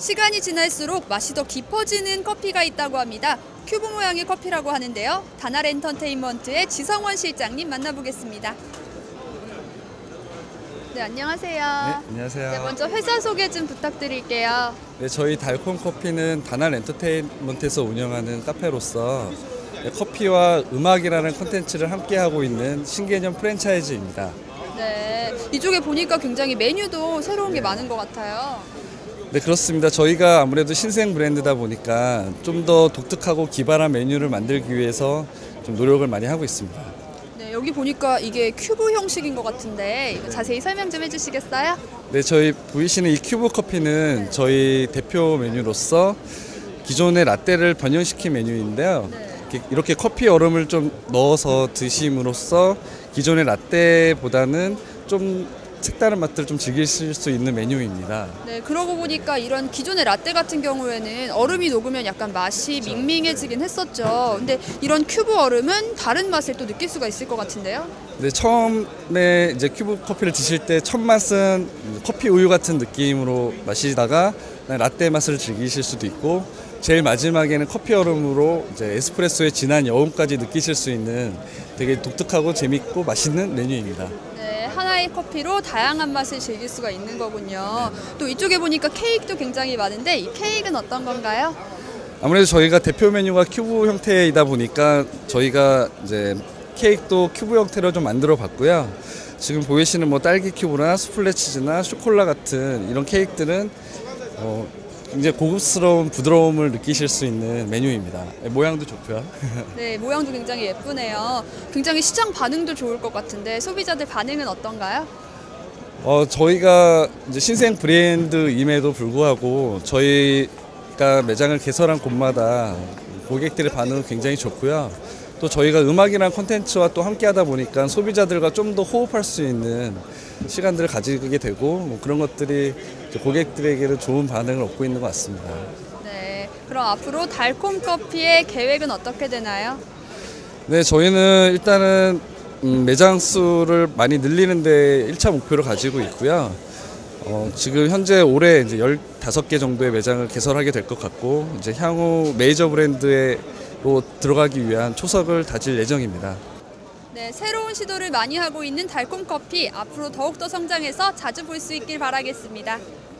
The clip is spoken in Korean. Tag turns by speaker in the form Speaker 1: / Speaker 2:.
Speaker 1: 시간이 지날수록 맛이 더 깊어지는 커피가 있다고 합니다. 큐브 모양의 커피라고 하는데요. 다날 엔터테인먼트의 지성원 실장님 만나보겠습니다. 네, 안녕하세요.
Speaker 2: 네, 안녕하세요.
Speaker 1: 네, 먼저 회사 소개 좀 부탁드릴게요.
Speaker 2: 네, 저희 달콤 커피는 다날 엔터테인먼트에서 운영하는 카페로서 커피와 음악이라는 콘텐츠를 함께하고 있는 신개념 프랜차이즈입니다.
Speaker 1: 네, 이쪽에 보니까 굉장히 메뉴도 새로운 게 많은 것 같아요.
Speaker 2: 네, 그렇습니다. 저희가 아무래도 신생 브랜드다 보니까 좀 더 독특하고 기발한 메뉴를 만들기 위해서 좀 노력을 많이 하고 있습니다.
Speaker 1: 네, 여기 보니까 이게 큐브 형식인 것 같은데 이거 자세히 설명 좀 해주시겠어요?
Speaker 2: 네, 저희 보이시는 이 큐브 커피는 저희 대표 메뉴로서 기존의 라떼를 변형시킨 메뉴인데요. 이렇게 커피 얼음을 좀 넣어서 드심으로써 기존의 라떼보다는 좀 색다른 맛들을 좀 즐기실 수 있는 메뉴입니다.
Speaker 1: 네, 그러고 보니까 이런 기존의 라떼 같은 경우에는 얼음이 녹으면 약간 맛이 밍밍해지긴 했었죠. 근데 이런 큐브 얼음은 다른 맛을 또 느낄 수가 있을 것 같은데요.
Speaker 2: 네, 처음에 이제 큐브 커피를 드실 때 첫 맛은 커피 우유 같은 느낌으로 마시다가 라떼 맛을 즐기실 수도 있고, 제일 마지막에는 커피 얼음으로 이제 에스프레소의 진한 여운까지 느끼실 수 있는 되게 독특하고 재밌고 맛있는 메뉴입니다.
Speaker 1: 네, 하나의 커피로 다양한 맛을 즐길 수가 있는 거군요. 또 이쪽에 보니까 케이크도 굉장히 많은데 이 케이크는 어떤 건가요?
Speaker 2: 아무래도 저희가 대표 메뉴가 큐브 형태이다 보니까 저희가 이제 케이크도 큐브 형태로 좀 만들어 봤고요. 지금 보이시는 뭐 딸기 큐브나 수플레 치즈나 쇼콜라 같은 이런 케이크들은 굉장히 고급스러운 부드러움을 느끼실 수 있는 메뉴입니다. 모양도 좋고요.
Speaker 1: 네, 모양도 굉장히 예쁘네요. 굉장히 시장 반응도 좋을 것 같은데 소비자들 반응은 어떤가요?
Speaker 2: 저희가 이제 신생 브랜드임에도 불구하고 저희가 매장을 개설한 곳마다 고객들의 반응은 굉장히 좋고요. 또 저희가 음악이라는 콘텐츠와 또 함께하다 보니까 소비자들과 좀 더 호흡할 수 있는 시간들을 가지게 되고 뭐 그런 것들이 고객들에게는 좋은 반응을 얻고 있는 것 같습니다.
Speaker 1: 네, 그럼 앞으로 달콤 커피의 계획은 어떻게 되나요?
Speaker 2: 네, 저희는 일단은 매장 수를 많이 늘리는 데 1차 목표를 가지고 있고요. 지금 현재 올해 이제 15개 정도의 매장을 개설하게 될 것 같고, 이제 향후 메이저 브랜드로 들어가기 위한 초석을 다질 예정입니다.
Speaker 1: 네, 새로운 시도를 많이 하고 있는 달콤 커피 앞으로 더욱더 성장해서 자주 볼 수 있길 바라겠습니다.